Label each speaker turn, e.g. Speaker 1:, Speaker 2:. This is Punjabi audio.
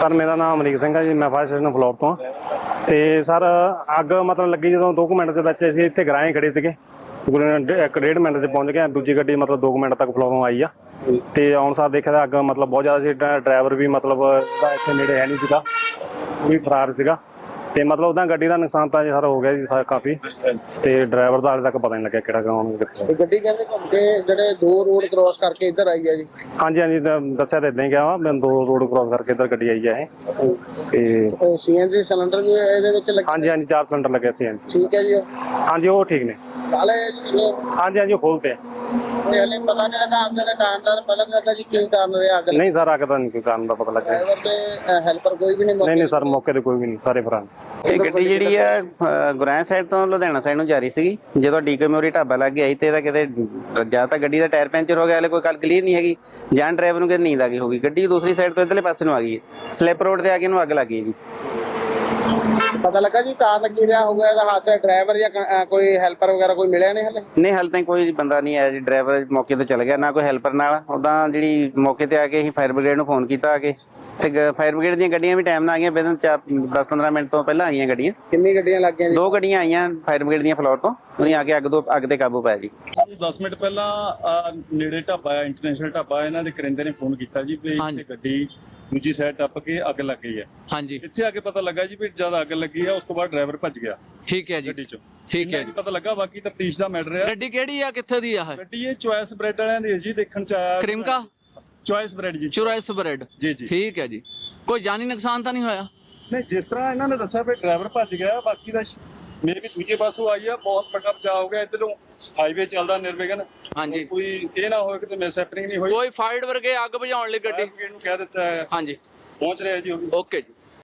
Speaker 1: ਸਰ ਮੇਰਾ ਨਾਮ ਅਮਰੀਕ ਸਿੰਘ ਹੈ ਜੀ, ਮੈਂ ਫਾਇਰ ਸਟੇਸ਼ਨ ਫਲੋਰ ਤੋਂ। ਤੇ ਸਰ ਅੱਗ ਮਤਲਬ ਲੱਗੀ ਜਦੋਂ 2 ਮਿੰਟ ਦੇ ਵਿੱਚ ਅਸੀਂ ਇੱਥੇ ਗਰਾਏ ਖੜੇ ਸੀਗੇ, ਤਕਰੀਬਨ 1.5 ਮਿੰਟ 'ਚ ਪਹੁੰਚ ਗਏ। ਦੂਜੀ ਗੱਡੀ ਮਤਲਬ 2 ਮਿੰਟ ਤੱਕ ਫਲੋਰੋਂ ਆਈ ਆ। ਤੇ ਆਉਣ ਸਾਰ ਦੇਖਿਆ ਤਾਂ ਅੱਗ ਮਤਲਬ ਬਹੁਤ ਜ਼ਿਆਦਾ ਸੀ। ਡਰਾਈਵਰ ਵੀ ਮਤਲਬ ਉਹਦਾ ਇੱਥੇ ਨੇੜੇ ਹੈ ਨਹੀਂ ਸੀਗਾ, ਉਹ ਵੀ ਫਰਾਰ ਸੀਗਾ। ਤੇ ਮਤਲਬ ਉਹਦਾ ਗੱਡੀ ਦਾ ਨੁਕਸਾਨ ਤਾਂ ਜੀ ਸਰ ਹੋ ਗਿਆ ਜੀ ਕਾਫੀ। ਤੇ ਡਰਾਈਵਰ ਦਾ ਹਾਲੇ ਤੱਕ ਪਤਾ ਨਹੀਂ ਲੱਗਿਆ ਕਿਹੜਾ ਕੌਣ ਕਿੱਥੇ।
Speaker 2: ਗੱਡੀ ਕਹਿੰਦੇ ਘੁੰਮ ਕੇ ਜਿਹੜੇ 2 ਰੋਡ ਕ੍ਰੋਸ ਕਰਕੇ ਇੱਧਰ ਆਈ ਹੈ ਜੀ।
Speaker 1: ਹਾਂਜੀ ਹਾਂਜੀ, ਦੱਸਿਆ ਤਾਂ ਇਦਾਂ ਹੀ ਗਿਆ ਵਾ, ਮੈਂ 2 ਰੋਡ ਕ੍ਰੋਸ ਕਰਕੇ ਇੱਧਰ ਗੱਡੀ ਆਈ ਹੈ ਇਹ। ਤੇ
Speaker 2: ਸੀਐਨਜੀ ਸਿਲੰਡਰ ਵੀ ਇਹਦੇ ਵਿੱਚ ਲੱਗੇ?
Speaker 1: ਹਾਂਜੀ ਹਾਂਜੀ, 4 ਸਿਲੰਡਰ ਲੱਗੇ ਸੀ।
Speaker 2: ਠੀਕ ਹੈ ਜੀ।
Speaker 1: ਹਾਂਜੀ ਉਹ ਠੀਕ ਨੇ।
Speaker 2: ਕਾਲੇ
Speaker 1: ਹਾਂਜੀ ਹਾਂਜੀ, ਉਹ ਖੋਲਤੇ ਆ।
Speaker 2: ਹਲੇ ਪਤਾ ਨਹੀਂ ਲੱਗਾ ਅੱਗ ਦੇ ਕਾਰਨ ਦਾ, ਪਤਾ ਨਹੀਂ ਲੱਗਾ ਜੀ ਕੀ ਕਾਰਨ ਰਿਹਾ ਅੱਗ?
Speaker 1: ਨਹੀਂ ਸਰ, ਅੱਗ ਦਾ ਨਹੀਂ ਕੋਈ ਕਾਰਨ ਦਾ ਪਤਾ ਲੱਗਿਆ।
Speaker 2: ਡਰਾਈਵਰ ਤੇ ਹੈਲਪਰ ਕੋਈ ਵੀ ਨਹੀਂ?
Speaker 1: ਨਹੀਂ ਸਰ, ਮੌਕੇ ਤੇ ਕੋਈ ਵੀ ਨਹੀਂ, ਸਾਰੇ ਫਰਾਰ।
Speaker 3: ਇਹ ਗੱਡੀ ਜਿਹੜੀ ਆ ਗੁਰਾਇਆ ਸਾਈਡ ਤੋਂ ਲੁਧਿਆਣਾ ਸਾਈਡ ਨੂੰ ਜਾ ਰਹੀ ਸੀਗੀ। ਜਦੋਂ ਡੀਕੇ ਮੋਰੀ ਢਾਬਾ ਲੱਗ ਗਿਆ ਤੇ ਇਹਦਾ ਕਿਤੇ ਜਾਂ ਤਾਂ ਗੱਡੀ ਦਾ ਟਾਇਰ ਪੈਂਚਰ ਹੋ ਗਿਆ, ਹਲੇ ਕੋਈ ਗੱਲ ਕਲੀਅਰ ਨਹੀਂ ਹੈਗੀ, ਜਾਂ ਡਰਾਈਵਰ ਨੂੰ ਕਿਤੇ ਨੀਂਦ ਆ ਗਈ ਹੋਗੀ। ਗੱਡੀ ਦੂਸਰੀ ਸਾਈਡ ਤੋਂ ਇੱਧਰਲੇ ਪਾਸੇ ਨੂੰ ਆ ਗਈ, ਸਲਿੱਪ ਰੋਡ ਤੇ ਆ ਕੇ ਇਹਨੂੰ ਅੱਗ ਲੱਗ ਗਈ ਜੀ।
Speaker 2: ਪਤਾ ਲੱਗਾ ਜੀ ਕਾਰਨ ਕੀ ਰਿਹਾ ਹੋਊਗਾ ਇਹਦਾ ਹਾਦਸਾ? ਡਰਾਈਵਰ ਜਾਂ ਕੋਈ ਹੈਲਪਰ ਵਗੈਰਾ ਕੋਈ ਮਿਲਿਆ ਨਹੀਂ ਹਲੇ?
Speaker 3: ਨਹੀਂ, ਹਾਲੇ ਤਾਂ ਕੋਈ ਬੰਦਾ ਨਹੀਂ ਆਇਆ ਜੀ। ਡਰਾਈਵਰ ਮੌਕੇ ਤੋਂ ਚਲ ਗਿਆ, ਨਾ ਕੋਈ ਹੈਲਪਰ ਨਾਲ। ਉੱਦਾਂ ਜਿਹੜੀ ਮੌਕੇ ਤੇ ਆ ਕੇ ਅਸੀਂ ਫਾਇਰ ਬ੍ਰਿਗੇਡ ਨੂੰ ਫੋਨ ਕੀਤਾ ਆ ਕੇ, ਤੇ ਫਾਇਰ ਬ੍ਰਿਗੇਡ ਦੀਆਂ ਗੱਡੀਆਂ ਵੀ ਟਾਈਮ ਨਾਲ ਆ ਗਈਆਂ। ਬਿਨਾਂ 10-15 ਮਿੰਟ ਤੋਂ ਪਹਿਲਾਂ ਆਈਆਂ ਗੱਡੀਆਂ।
Speaker 2: ਕਿੰਨੀ ਗੱਡੀਆਂ ਲੱਗ ਗਈਆਂ ਜੀ?
Speaker 3: 2 ਗੱਡੀਆਂ ਆਈਆਂ ਫਾਇਰ ਬ੍ਰਿਗੇਡ ਦੀਆਂ ਫਲੋਰ ਤੋਂ, ਉਹਨੇ ਆ ਕੇ ਅੱਗ ਤੇ ਕਾਬੂ ਪਾਇਆ ਜੀ।
Speaker 4: 10 ਮਿੰਟ ਪਹਿਲਾਂ ਨੇੜੇ ਢਾਬਾ ਆ, ਇੰਟਰਨੈਸ਼ਨਲ ਢਾਬਾ, ਇਹਨਾਂ ਦੇ ਕਰਿੰਦੇ ਨੇ ਫੋਨ ਕੀਤਾ ਜੀ ਵੀ ਇੱਥੇ ਗੱਡੀ ਦੂਜੀ ਸਾਈਡ ਟੱਪ ਕੇ ਅੱਗ ਲੱਗ ਗਈ ਹੈ।
Speaker 5: ਹਾਂਜੀ,
Speaker 4: ਇੱਥੇ ਆ ਕੇ ਪਤਾ ਲੱਗਾ ਜੀ ਵੀ ਜਦ ਅੱਗ ਲੱਗੀ ਆ ਉਸ ਤੋਂ ਬਾਅਦ ਡਰਾਈਵਰ ਭੱਜ ਗਿਆ
Speaker 5: ਠੀਕ ਹੈ ਜੀ,
Speaker 4: ਗੱਡੀ ਚੋਂ।
Speaker 5: ਠੀਕ ਹੈ ਜੀ।
Speaker 4: ਪਤਾ ਲੱਗਾ, ਬਾਕੀ ਤਫਤੀਸ਼ ਦਾ ਮੈਟਰ ਹੈ।
Speaker 5: ਗੱਡੀ ਕਿਹੜੀ ਆ, ਕਿੱਥੇ ਦੀ ਆ?
Speaker 4: ਗੱਡੀ ਇਹ ਚੁਆਇਸ ਬ੍ਰੈਡ ਵਾਲਿਆਂ ਦੀ ਹੈ ਜੀ, ਦੇਖਣ ਚ ਆਇਆ।
Speaker 5: ਕ੍ਰਿਮਕਾ
Speaker 4: ਚੁਆਇਸ ਬ੍ਰੈਡ ਜੀ।
Speaker 5: ਚੁਰਾਇਸ ਬ੍ਰੈਡ,
Speaker 4: ਜੀ ਜੀ।
Speaker 5: ਠੀਕ ਹੈ ਜੀ। ਕੋਈ ਜਾਨੀ ਨੁਕਸਾਨ ਤਾਂ ਨਹੀਂ ਹੋਇਆ?
Speaker 4: ਨਹੀਂ, ਜਿਸ ਤਰ੍ਹਾਂ ਇਹਨਾਂ ਨੇ ਦੱਸਿਆ ਵੀ ਡਰਾਈਵਰ ਭੱਜ ਗਿਆ, ਬਾਕੀ ਦਾ ਮੇਰੇ ਵੀ ਦੂਜੇ ਪਾਸੋਂ ਆਈ ਆ। ਬਹੁਤ ਵੱਡਾ ਬਚਾਅ ਹੋ ਗਿਆ। ਇੱਧਰੋਂ ਹਾਈਵੇ ਚੱਲਦਾ ਨਿਰਵਿਘਨ।
Speaker 5: ਹਾਂਜੀ,
Speaker 4: ਕੋਈ ਇਹ ਨਾ ਹੋਏ ਕਿ ਮਿਸ ਹੈਪਨਿੰਗ ਨਹੀਂ ਹੋਈ।
Speaker 5: ਕੋਈ ਫਾਇਰ ਵਰਗੇ ਅੱਗ ਬੁਝਾਉਣ ਲਈ ਗੱਡੀ
Speaker 4: ਨੂੰ ਕਹਿ ਦਿੱਤਾ ਹੈ,
Speaker 5: ਹਾਂਜੀ
Speaker 4: ਪਹੁੰਚ ਰਿਹਾ ਜੀ ਉਹ ਵੀ।
Speaker 5: ਓਕੇ ਜੀ।